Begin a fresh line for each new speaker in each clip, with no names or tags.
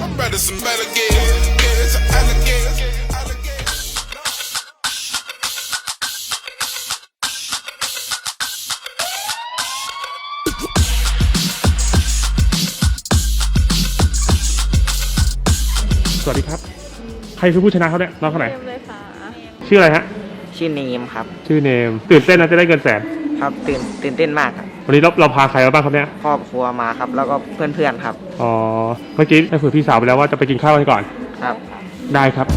Better some better gears, alligators.
สวัสดีครับใครคือผู้ชนะเขาเนี่ยน้องคนไหน
เลยค่ะ
ชื่ออะไรฮะ
ชื่อเนมครับ
ชื่อเนมตื่นเต้นนะจะได้เงินแสน
ครับตื่นเต้นมากครับ
วันนี้เราพาใครมาบ้างครับเนี่ย
ครอบครัวมาครับ แล้วก็เพื่อนๆครับ
อ๋อเมื่อกี้ได้คุยพี่สาวไปแล้วว่าจะไปกินข้าวกันก่อน
ครับ
ได้ครับ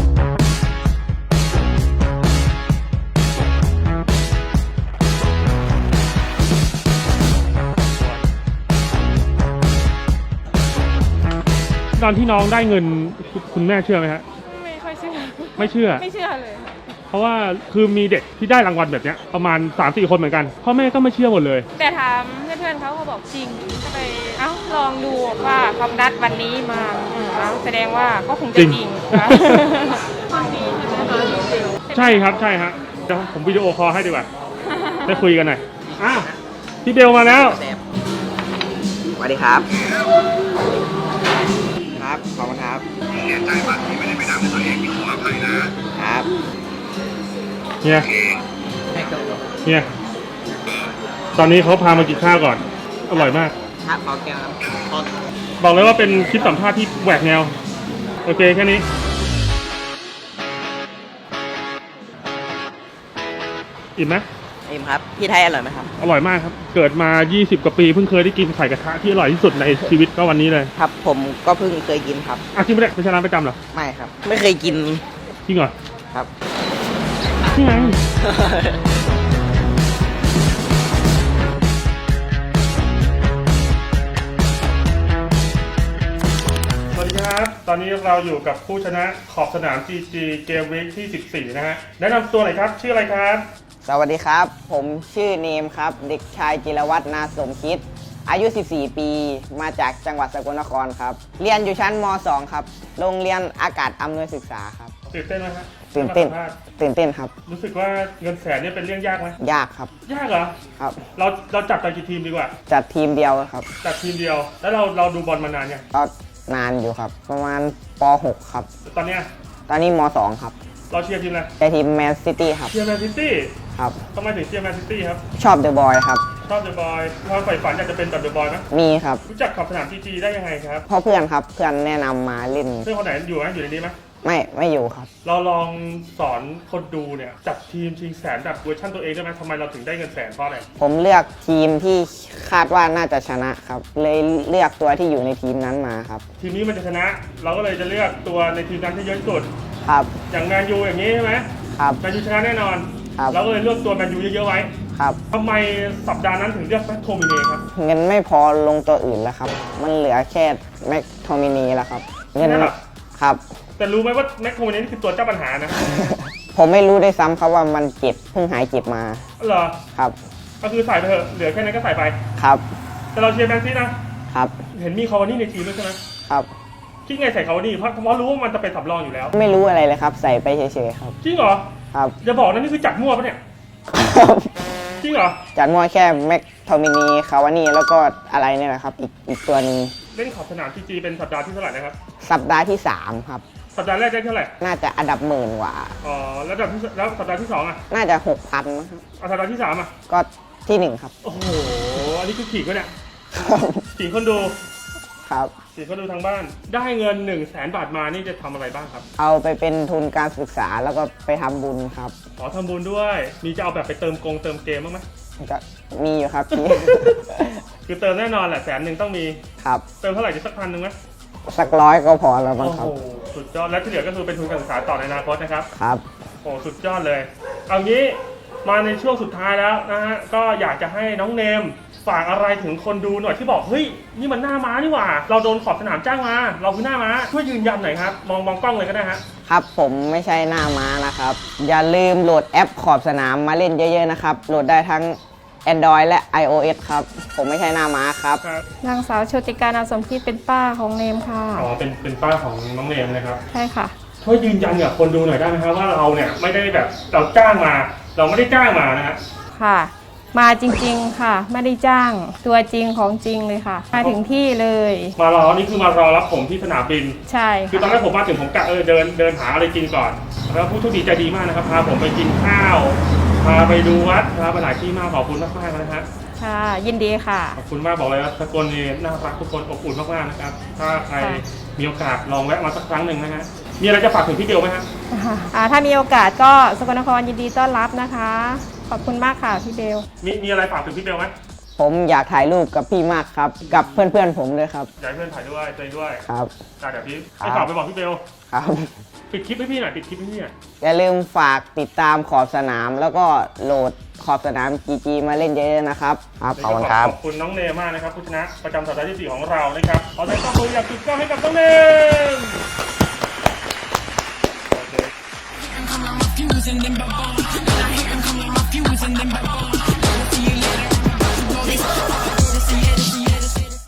ตอนที่น้องได้เงินคุณแม่เชื่อไหมฮะ
ไม่ค่อยเชื่อ
ไม่เชื่อ
ไม่เชื่อเลยค่ะ
เพราะว่าคือมีเด็กที่ได้รางวัลแบบเนี้ยประมาณ 3-4 คนเหมือนกันพ่อแม่ก็ไม่เชื่อหมดเลย
แต่ถามเพื่อนๆเขาบอกจริงก็เลยลองดูว่าความนัดวันนี้มาแสดงว่าก็คงจะจริงค่ะ
ใช่ครับใช่ฮะเดี๋ยวผมวิดีโอคอลให้ดีกว่าได้คุยกันหน่อยอ้าวพี่เบลมาแล้ว
สวัสดีครับ ครับ ขอบคุณครับเสียใจมากที่ไม่ได้ไปทำตัวเองขออภัยนะครับ
เนี่ยเนี่ยตอนนี้เขาพามากินข้าวก่อนอร่อยมาก
ครับขอแก้วครับ
บอกเลยว่าเป็นคลิปสัมภาษณ์ที่แหวกแนวโอเคแค่นี้อิ่มไหม
เอ็มครับ พี่ไทยอร่อยไหมครับ
อร่อยมากครับเกิดมา20 กว่าปีเพิ่งเคยได้กินไข่กระทะที่อร่อยที่สุดในชีวิตก็วันนี้เลย
ครับ ผมก็เพิ่งเคยกินครับ
จริงไม่ได้ไม่ใช่ร้านประจำเหรอ
ไม่ครับ ไม่เคยกิน
จริงเหรอ
ครับ
นี่ไงสวัสดีครับตอนนี้เราอยู่กับผู้ชนะขอบสนาม GG Game Week ที่ 14 นะฮะแนะนำตัวหน่อยครับชื่ออะไรครับ
สวัสดีครับ ผมชื่อเนมครับ เด็กชายจิรวัฒน์นาสมคิด อายุ 14 ปี มาจากจังหวัดสกลนครครับ เรียนอยู่ชั้นม .2 ครับ โรงเรียนอากาศอำนวยศึกษาครับ
ตื่นเต้นไหมฮะ
ตื่นเต้น
มาสัมภาษณ์
ตื่นเต้นครับ
รู้สึกว่าเงินแสนเนี่ยเป็นเรื่องยากไหม
ยากครับ
ยากเหรอ
ครับ
เราจับกันกี่ทีมดีกว่า
จัดทีมเดียวครับ
จัดทีมเดียว แล้วเราดูบอลมานานยัง
ก็นานอยู่ครับ ประมาณป .6 ครับ
ตอนเนี้ย
ตอนนี้ม .2 ครับ
เราเชียร์ทีมอะไร
แต่ทีมแมนซิตี้ครับ
เชียร์แมนซิตี้
ครับ
ทำไมถึงเชียร์แมนซิตี้ครับ
ชอบเดอะบอยครับ
ชอบเดอะบอยความใฝ่ฝันอยากจะเป็นแบบเดอะบอยไหม
มีครับ
รู้จักขอบสนาม GG ได้ยังไงครับ
เพ่อเพื่อนครับ เพื่อนแนะนำมาเล่น
เพื่อนคนไหนอยู่ไหมอยู่ในนี้ไหม
ไม่อยู่ครับ
เราลองสอนคนดูเนี่ยจัดทีมชิงแสนแบบเวอร์ชันตัวเองได้ไหมทำไมเราถึงได้เงินแสนเพราะอะไร
ผมเลือกทีมที่คาดว่าน่าจะชนะครับ เลยเลือกตัวที่อยู่ในทีมนั้นมาครับ
ทีมนี้มันจะชนะ เราก็เลยจะเลือกตัวในทีมนั้นที่เยอะที่สุด
ครับ
อย่างแมนยูอย่างนี้ใช่ไหม
ครับ
แมนยูชนะแน่นอน
ครับ
เราก็เลยเลือกตัวแมนยูเยอะๆไว้
ครับ
ทำไมสัปดาห์นั้นถึงเลือกแม็กโทมิเน่ครับ
เงินไม่พอลงตัวอื่นแล้วครับ มันเหลือแค่แม็กโทมินีแล้วครับ เงิน
แค่นั้นเหรอ
ครับ
แต่รู้ไหมว่าแม็กโทมิเน่นี่คือตัวเจ้าปัญหานะ
ผมไม่รู้ด้วยซ้ำครับว่ามันเจ็บเพิ่งหายเจ็บมา
เหรอ
ครับ
ก็คือใส่ไปเถอะเหลือแค่นั้นก็ใส่ไป
ครับ
แต่เราเชียร์แมนซีนะครับ เห็นมีคาวานี่ในทีมด้วยใช่ไหม
ครับ
คิดไงใส่คาวานี่เพราะรู้ว่ามันจะเป็นสำรองอยู่แล้ว
ไม่รู้อะไรเลยครับ ใส่ไปเฉยๆครับ
จริงเหรอ
ครับ
จะบอกนะนี่คือจัดมั่วปะเนี่ยจริงเหรอ
จัดมวยแค่แม็กโทมินีคาวานี่แล้วก็อะไรเนี่ยแหละครับ อีกตัวหนึง
เล่นขอบสนาม GG เป็นสัปดาห์ที่เท่าไหร่นะครับ
สัปดาห์ที่ 3 ครับ
สัปดาห์แรกได้เท่าไหร่
น่าจะอันดับหมื่นกว่า
อ๋อแล้วสัปดาห์ที่2อ่ะ
น่าจะ 6,000นะครับ
เอาสัปดาห์ที่3อ่ะ
ก็ที่ 1 ครับ
โอ้โหอันนี้คือขี่ก็เนี่ยขี่คนดู
ครับ
ขี่คนดูทางบ้าน ได้เงิน100,000 บาทมานี่จะทำอะไรบ้างครับ
เอาไปเป็นทุนการศึกษาแล้วก็ไปทำบุญครับ
อ๋อทำบุญด้วย มีจะเอาแบบไปเติมเกมบ้างไหม
ก็มีอยู่ครับ พี่
คือเติมแน่นอนแหละ100,000ต้องมี
ครับ
เติมเท่าไหร่จะสัก1,000ไหม
สัก100ก็พอแล้วมั้ง
โอ้
ครับ
โหสุดยอดแล้วที่เหลือก็คือเป็นทุนการศึกษาต่อในอนาคตนะครับ
ครับ
โอ้สุดยอดเลย เอางี้มาในช่วงสุดท้ายแล้วนะฮะ ก็อยากจะให้น้องเนมฝากอะไรถึงคนดูหน่อยที่บอกเฮ้ยนี่มันหน้าม้านี่หว่า เราโดนขอบสนามจ้างมา เราคือหน้าม้าช่วยยืนยันหน่อยครับมองกล้องเลยก็ได้ฮะ
ครับผมไม่ใช่หน้าม้านะครับ อย่าลืมโหลดแอปขอบสนามมาเล่นเยอะๆนะครับ โหลดได้ทั้ง Android และ iOS ครับ ผมไม่ใช่หน้าม้าครับ
ครับ
นางสาวโชติการนามสมคิดเป็นป้าของเนมค่ะ
อ๋อเป็นป้าของน้องเนมนะครับ
ใช่ค่ะ
ช่วยยืนยันกับคนดูหน่อยได้ไหมครับว่าเราเนี่ยไม่ได้แบบเราจ้างมา เราไม่ได้จ้างมานะฮะ
ค่ะมาจริงๆค่ะ ไม่ได้จ้างตัวจริงของจริงเลยค่ะ มาถึงที่เลย
มารอนี่คือมารอรับผมที่สนามบิน
ใช่
คือตอนแรกผมมาถึงผมกะเดินหาอะไรกินก่อนแล้วผู้โชคดีใจดีมากนะครับพาผมไปกินข้าวพาไปดูวัดพาไปหลายที่มากขอบคุณมากๆนะฮะ
ค่ะ ยินดีค่ะ
ขอบคุณมากบอกเลยว่าสกลนี่น่ารักทุกคนอบอุ่นมากๆนะครับถ้าใคร
ค่ะ
มีโอกาสลองแวะมาสักครั้งหนึ่งนะฮะมีอะไรจะฝากถึงพี่เบลไหมฮะ
ถ้ามีโอกาสก็สกลนครยินดีต้อนรับนะคะ ขอบคุณมากค่ะพี่เบล
มีอะไรฝากถึงพี่เบลไหม
ผมอยากถ่ายรูปกับพี่มากครับ กับเพื่อนๆผมด้วยครับ
อยากให้เพื่อนถ่ายด้วยตัวเองด้วย
ครับ
เดี๋ยวพี่
ครับ
ให้ฝากไปบอกพี่เบล
ครับ
ปิดคลิปให้พี่หน่อยปิดคลิปให้พี่หน่อย
อย่าลืมฝากติดตามขอบสนาม แล้วก็โหลดขอบสนาม GG มาเล่นเยอะๆนะครับครับขอบคุณครับ
ขอบคุณน้องเนมมากนะครับผู้ชนะประจำสัปดาห์ที่ 4 ของเรานะครับขอแสดงความยินดีอย่างสุดยอดให้กับน้องเนมโอเค
Fusing them,